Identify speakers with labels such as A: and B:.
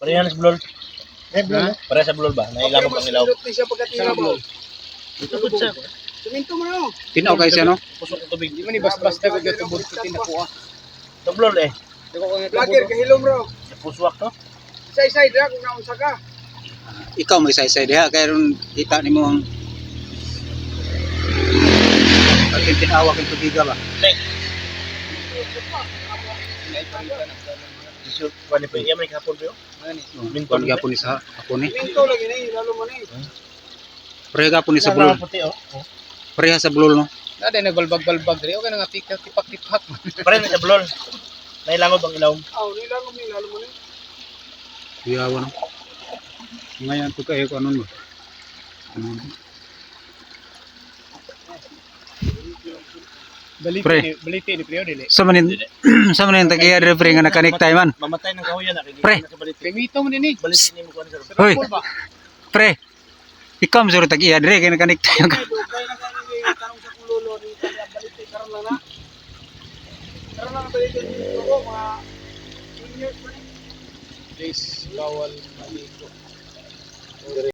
A: Parehan sa bulol.
B: Ha?
A: Pareha sa bulol ba? Nailamog ang ilaw.
C: siya pagkatira mo.
A: Ito sa
C: Suminto mo na.
B: Tinaw kayo siya, no?
A: pusok ng tubig.
D: Di man ibas-basta ko gato bud ko tinakuha.
A: Sa bulol eh.
D: Di ko nga
C: Vlogger kahilom bro.
A: Sa puswak to.
C: Isa-isa dira kung naunsa ka.
B: Ikaw may isa-isa diha kaya ron kita nimo ang pagkin tinawag ang tubiga ba?
A: Isu pani pa. Iya may kapon yo.
B: Minton gyapon ni sa ako ni.
C: Suminto lagi na lalo man eh.
B: Pareha gapon ni sa bulol.
A: Puti oh.
B: Pareha sa bulol, no?
D: Nada nagbalbag-balbag diri okay na nga tipak-tipak.
A: Pareha sa bulol. Nailamog ang ilaw.
C: Aw, nilang ni lalo man eh.
B: Kuyawa, no? Ngayon to kayo ko anon ba? Pre.
D: Baliti ni Prio dili.
B: Sa manin sa manin tagiya dire pre nga nakanektay man.
A: Mamatay ng kahoyan
B: Pre.
A: nakikita sa baliti.
D: Pimito mo dinhi.
A: Baliti ni mo kuan sir.
B: Hoy. Pre. Ikaw mo suro tagiya dire kay nakanektay ka.
C: Dugay na kani ni tanong sa kululo ni balite karon lang na. Karon lang balite ko mga seniors man eh.
D: Please bawal maligo.